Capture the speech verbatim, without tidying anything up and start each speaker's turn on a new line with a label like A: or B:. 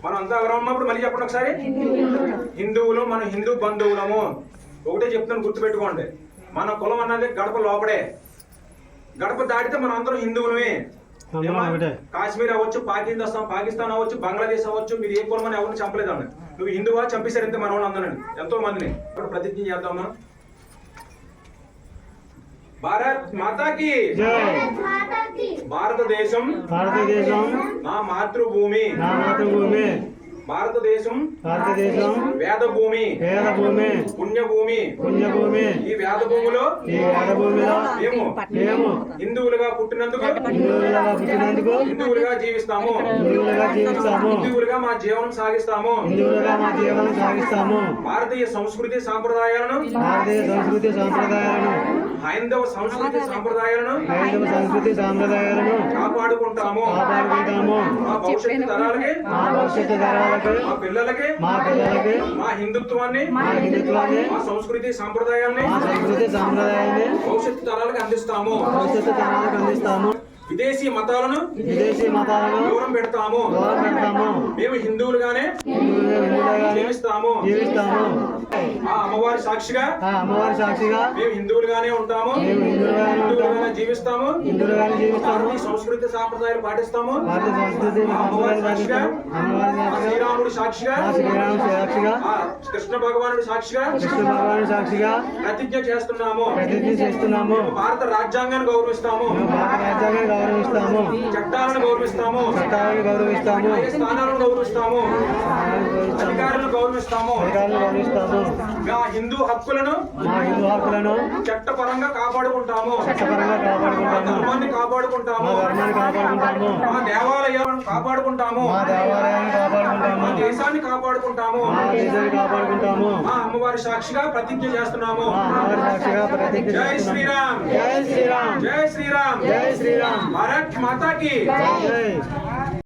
A: మనం అంతా ఎవరు ఉన్నప్పుడు మళ్ళీ చెప్పండి ఒకసారి. హిందువులు, మన హిందూ బంధువులము. ఒకటే చెప్తాను, గుర్తుపెట్టుకోండి. మన కులం అన్నది గడప లోపడే. గడప దాటితే మనం అందరం హిందువులమే. కాశ్మీర్ అవ్వచ్చు, పాకిస్తాన్ పాకిస్తాన్ అవ్వచ్చు, బంగ్లాదేశ్ అవ్వచ్చు, మీరు ఏ కులం అని ఎవరిని చంపలేదండి. నువ్వు హిందువా, చంపేశారు ఇంత మన వాళ్ళు అందరండి, ఎంతో మందిని. ఇప్పుడు ప్రతిజ్ఞ చేద్దాం మనం. భారత్ మాతాకి భారతదేశం
B: భారతదేశం
A: నా మాతృభూమి
B: నా మాతృభూమి.
A: భారతదేశం
B: భారతదేశం
A: వేద భూమి
B: వేద భూమి
A: పుణ్యభూమి
B: పుణ్యభూమి.
A: ఈ వేద భూమిలో
B: ఈ వేద భూమిలో
A: మేము
B: మేము
A: హిందువులుగా పుట్టినందుకు
B: హిందువులుగా పుట్టినందుకు
A: హిందువులుగా జీవిస్తాము.
B: హిందువులుగా జీవిస్తాము.
A: హిందువులుగా మా జీవనం సాగిస్తాము.
B: హిందువులుగా మా జీవనం సాగిస్తాము.
A: భారతీయ సంస్కృతి సాంప్రదాయాలను
B: భారతీయ సంస్కృతి సాంప్రదాయాలను
A: హైందవ సంస్కృతి సాంప్రదాయాలను
B: హైందవ సంస్కృతి సాంప్రదాయాలను
A: కాపాడుకుంటాము.
B: కాపాడుకుంటాము.
A: మా భవిష్యత్తు తరాలకి,
B: మా భవిష్యత్తు తరాలకు,
A: మా పిల్లలకి,
B: మా పిల్లలకి
A: మా హిందుత్వాన్ని,
B: మా హిందుత్వాన్ని,
A: మా సంస్కృతి సాంప్రదాయాన్ని,
B: మా సంస్కృతి సాంప్రదాయాన్ని
A: భవిష్యత్తు తరాలకు అందిస్తాము.
B: భవిష్యత్తు తరాలకు అందిస్తాము.
A: విదేశీ మతాలను
B: విదేశీ మతాలను
A: దూరం పెడతాము.
B: దూరం పెడతాము.
A: మేము హిందువులుగానే
B: హిందువులుగానే
A: జీవిస్తాము.
B: జీవిస్తాము.
A: ఆ అమ్మవారి సాక్షిగా
B: ఆ అమ్మవారి సాక్షిగా
A: మేము హిందువులుగానే ఉంటాము.
B: మేము హిందువులుగానే ఉంటాము.
A: హిందువులుగానే జీవిస్తాము.
B: హిందువులుగానే జీవిస్తాము.
A: భారతీయ సంస్కృతి సాంప్రదాయాలు పాటిస్తాము.
B: భారతీయ సంస్కృతి
A: ఆ అమ్మవారి సాక్షిగా,
B: అమ్మవారి
A: ఆ
B: సాక్షిగా,
A: శ్రీరాముడి సాక్షిగా,
B: ఆ శ్రీరాముడి సాక్షిగా,
A: ఆ కృష్ణ భగవానుడి సాక్షిగా
B: కృష్ణ భగవానుడి సాక్షిగా
A: ప్రతిజ్ఞ చేస్తున్నాము.
B: ప్రతిజ్ఞ చేస్తున్నాము.
A: భారత రాజ్యాంగాన్ని గౌరవిస్తాము.
B: మేము భారత రాజ్యాంగాన్ని గౌరవిస్తాము.
A: చట్టాలను గౌరవిస్తాము.
B: చట్టాలను గౌరవిస్తాము.
A: స్థానాలను గౌరవిస్తాము. అధికారులను గౌరవిస్తాము.
B: అధికారులను గౌరవిస్తాము.
A: మా హిందూ హక్కులను
B: మా హిందూ హక్కులను
A: చట్టపరంగా కాపాడుకుంటాము.
B: చట్టపరంగా
A: మా
B: కాపాడుకుంటాము.
A: ధర్మాన్ని కాపాడుకుంటాము.
B: మా ధర్మాన్ని కాపాడుకుంటాము.
A: మా దేవాలయాలను కాపాడుకుంటాము.
B: మా దేవాలయాన్ని కాపాడుకుంటాము.
A: మా దేశాన్ని కాపాడుకుంటాము.
B: మా దేశాన్ని కాపాడుకుంటాము.
A: మా అమ్మవారి సాక్షిగా ప్రతిజ్ఞ చేస్తున్నాము.
B: మా అమ్మవారి సాక్షిగా ప్రతిజ్ఞ
A: జై
B: చేస్తున్నాము.
A: శ్రీరామ్,
B: జై శ్రీరామ్.
A: జై శ్రీరామ్,
B: జై శ్రీరామ్.
A: భారత్ మాతాకి
B: జై.